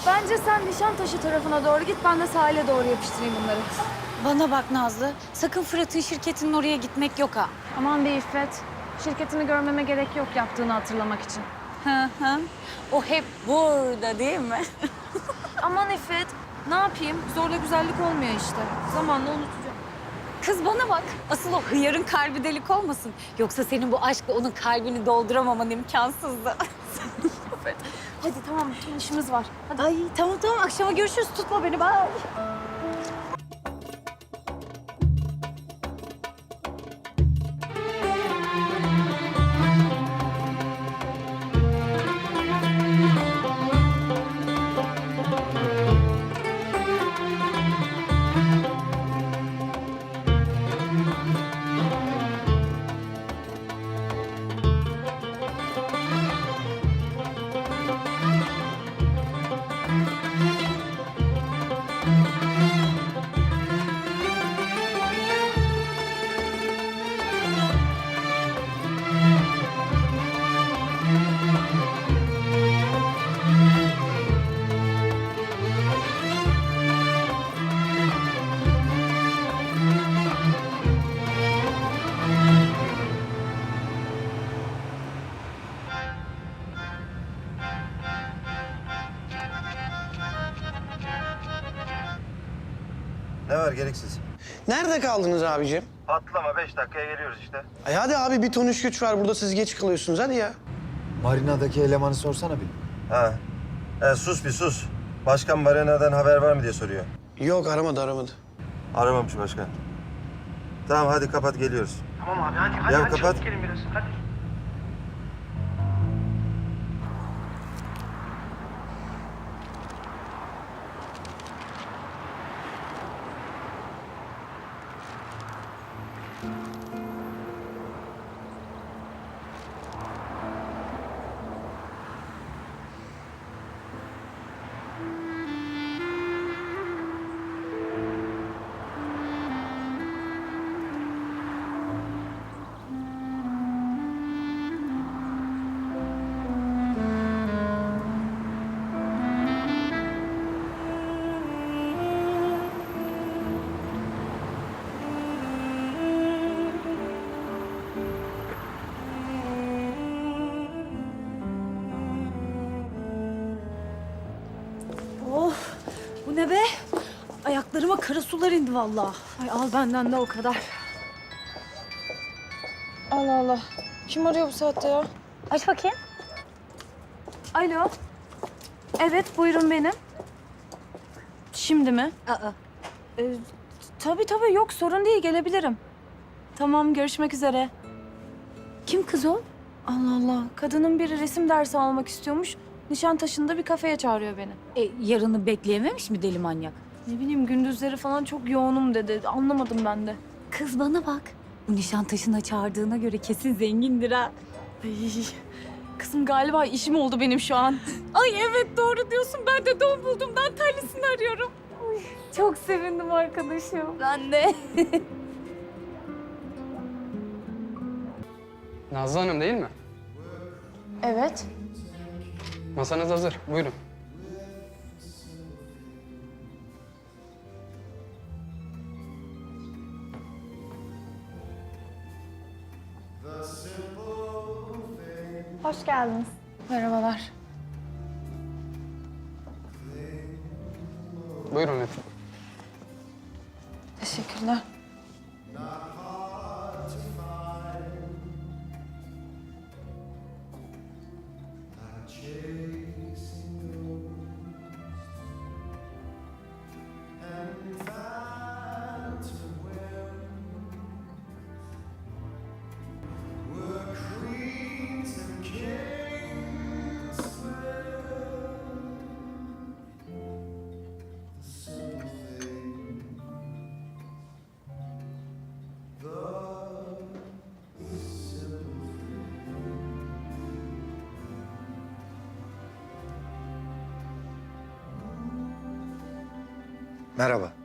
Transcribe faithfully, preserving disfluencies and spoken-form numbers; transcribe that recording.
Bence sen Nişantaşı tarafına doğru git, ben de sahile doğru yapıştırayım bunları. Bana bak Nazlı, sakın Fırat'ın şirketinin oraya gitmek yok ha. Aman be İffet, şirketini görmeme gerek yok yaptığını hatırlamak için. Hı hı. O hep burada değil mi? Aman İffet, ne yapayım? Zorla güzellik olmuyor işte. Zamanla unutacağım. Kız bana bak, asıl o hıyarın kalbi delik olmasın. Yoksa senin bu aşkla onun kalbini dolduramaman imkansızdı. Hadi tamam, bütün işimiz var. Hadi. Ay tamam tamam, akşama görüşürüz. Tutma beni, bye. Ne var gereksiz? Nerede kaldınız abicim? Atlama beş dakikaya geliyoruz işte. Ay hadi abi bir ton iş güç var burada siz geç kalıyorsunuz hadi ya. Marina'daki elemanı sorsana bir. Ha. E, sus bir sus. Başkan Marina'dan haber var mı diye soruyor. Yok aramadı aramadı. Aramamış başkan. Tamam hadi kapat geliyoruz. Tamam abi hadi hadi Ya hadi kapat. çabuk gelin biraz hadi. Oh, bu ne be? Ayaklarıma kara sular indi vallahi. Ay al benden de o kadar. Allah Allah. Kim arıyor bu saatte ya? Aç bakayım. Alo. Evet, buyurun benim. Şimdi mi? Aa, Ee, tabii tabii, yok sorun değil, gelebilirim. Tamam, görüşmek üzere. kim kız o? Allah Allah, kadının biri resim dersi almak istiyormuş. Nişantaşı'nda bir kafeye çağırıyor beni. E, yarını bekleyememiş mi deli manyak? Ne bileyim, gündüzleri falan çok yoğunum dedi. Anlamadım ben de. Kız bana bak. Bu Nişantaşı'na çağırdığına göre kesin zengindir ha. Ay, kızım galiba işim oldu benim şu an. Ay evet doğru diyorsun. Ben de don buldum. Dantellisini arıyorum. Ay, çok sevindim arkadaşım. Ben de. Nazlı Hanım değil mi? Evet. Masanız hazır. Buyurun. Hoş geldiniz. Merhabalar. Buyurun lütfen. Teşekkürler. Merhaba.